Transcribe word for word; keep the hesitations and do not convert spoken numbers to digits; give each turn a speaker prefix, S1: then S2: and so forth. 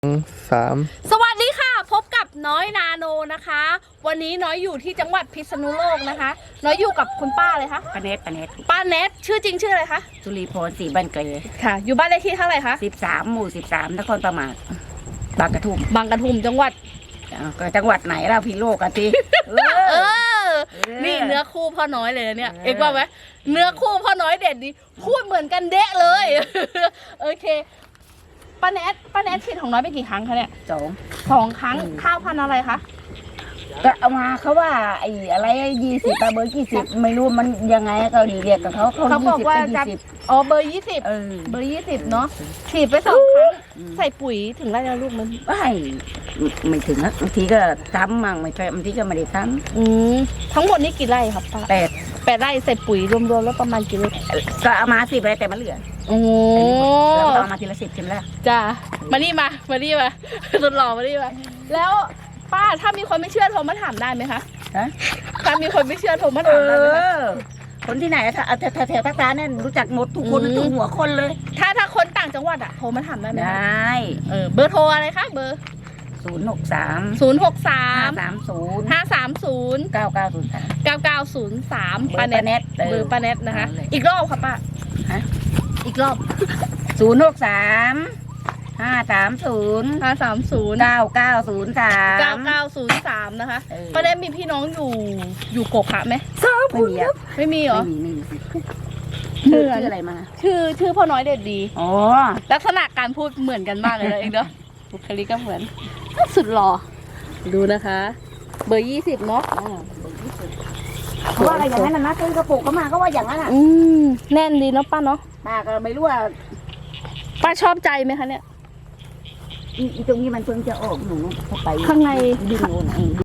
S1: สาม
S2: สวัสดีค่ะพบกับน้อยนาโนนะคะ วันนี้น้อยอยู่ที่จังหวัดพิษณุโลกนะคะ น้อยอยู่กับคุณป้าเลยคะ
S3: ปาเนตปาเนต
S2: ป้าเนตชื่อจริงชื่ออะไรคะ
S3: จุลีพรศรีบันเกย
S2: ค่ะ อยู่บ้านเลขที่เท่าไหร่คะ
S3: สิบสามหมู่สิบสามนครประมาทบางกระทุ่ม
S2: บางกระทุ่มจังหวัด
S3: จังหวัดไหนเราพิโลกกันที
S2: เออนี่เนื้อคู่พ่อน้อยเลยเนี่ยเอ็กว่าไหมเนื้อคู่พ่อน้อยเด็ดดีพูดเหมือนกันเดะเลยโอเคป้าแนทป้าแนทฉีดของน้อยไปกี่ครั้งคะเนี่ย
S3: สอง
S2: สองครั้งข้าวพันธุ์อะไรคะ
S3: ก็เอามาเขาว่าไอ้อะไรยี่สิบเบอร์ยี่สิบไม่รู้มันยังไงเกาหลีเรียกกับเขา
S2: เขาบอกว่าจะอ๋อเบอร์ยี่สิบเบอร์ยี่สิบเนาะฉีดไปสองครั้งใส่ปุ๋ยถึงไรแล้วลูกมัน
S3: ไม่ไม่ถึงนะบางทีก็ซ้ำมั่งไม่ใช่บางทีก็ไม่ได้ซ้
S2: ำอืมทั้งหมดนี่กี่ไร่ครับป้า
S3: แปด
S2: แปดไร่ใส่ปุ๋ยรวมๆแล้วประมาณกี่ไร่
S3: ก็เอามาสิบไร่แต่มันเหลือ
S2: โอ้
S3: เราเอามาทีละสิบใช่ไหมล่ะ
S2: จ้ามานี่มามานี่มาสุดหล่อมานี่มาแล้วป้าถ้ามีคนไม่เชื่อโทรมาถามได้ไหมคะถ้ามีคนไม่เชื่อโทรมาถามได้ไหม
S3: คนที่ไหนแถวแถวภาคกลางเนี่ยรู้จักหมดทุกคนทุกหัวคนเลย
S2: ถ้าถ้าคนต่างจังหวัดอะโทรมาถามได้ไหม
S3: ได้
S2: เออเบอร์โทรอะไรคะเบอร์
S3: ศูนย์หกสาม
S2: ศูนย์หกสาม
S3: สามศูนย์
S2: ห้าสามศูนย์
S3: เก้าเก้าศูนย์สาม
S2: เก้าเก้าศูนย์สาม
S3: ป้าเน็ต
S2: เบอร์ป้าเน็ตนะคะอีกรอบค่ะป้า
S3: ฮะ
S2: อีกรอบ
S3: ศูนย์หกสามห้าสามศูนย์
S2: ห้าสามศูนย์
S3: เก้าเก้าศูนย์สาม
S2: เก้าเก้าศูนย์สามนะคะป้าเน็ตมีพี่น้องอยู่อยู่โกขะไหม
S3: ไม่มีอ่ะ
S2: ไม่มีเหรอ
S3: ไม่มี
S2: ชื่อ
S3: อะไรมา
S2: ชื่อชื่อพ่อน้อยเด็ดดี
S3: อ๋อ
S2: ลักษณะการพูดเหมือนกันมากเลยเองเนาะบุคลิกก็เหมือนสุดหล่อดูนะคะเบอร์ยี่สิบเนาะ
S3: เขาว่าอะไรอย่างนั้นนะซื้อกระปุกเขามาก็ว่าอย่างนั้นอ่ะ
S2: อืมแน่นดีเนาะป้าเนาะ
S3: ป้าก็ไม่รู้ว่า
S2: ป้าชอบใจไหมคะเนี่ย
S3: อีตรงนี้มันเพิ่งจะออกหนูเข้าไป
S2: ข้างใน
S3: ดึงโน่น